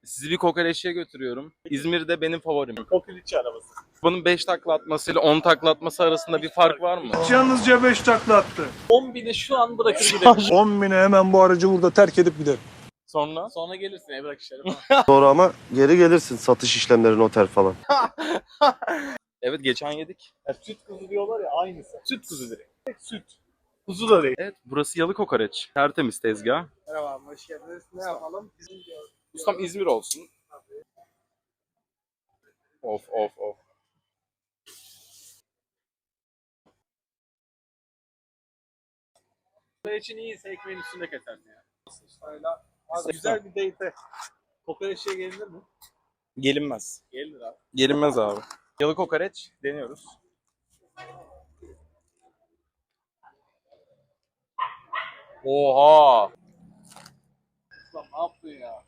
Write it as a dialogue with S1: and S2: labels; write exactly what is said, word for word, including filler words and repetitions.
S1: Sizi bir kokoreççiye götürüyorum. İzmir'de benim favorim.
S2: Kokoreççi arabası.
S1: Bunun beş takla atmasıyla on takla atması arasında bir fark var mı?
S3: Yalnızca beş takla attı.
S2: on bini şu an bırakır giderim.
S3: on bine hemen bu aracı burada terk edip giderim.
S1: Sonra?
S2: Sonra gelirsin evrak işleri falan.
S4: Sonra ama geri gelirsin satış işlemleri, noter falan.
S1: Evet, geçen yedik.
S2: Ya, süt kuzu diyorlar ya aynısı. Süt kuzu direkt. Tek süt. Kuzu da değil.
S1: Evet, burası Yalı Kokoreç. Tertemiz tezgah.
S2: Merhaba abi, hoş geldiniz. Ne yapalım? Bizim diyor.
S1: Ustam İzmir olsun. Of of of.
S2: Kokoreçin iyiyse ekmeğin üstünde kesersin ya. Öyle. Abi, güzel bir date'e kokoreççiye gelinir mi?
S1: Gelinmez.
S2: Gelinir abi.
S1: Gelinmez abi. Yalı Kokoreç deniyoruz. Oha!
S2: Ulan ne yaptın ya?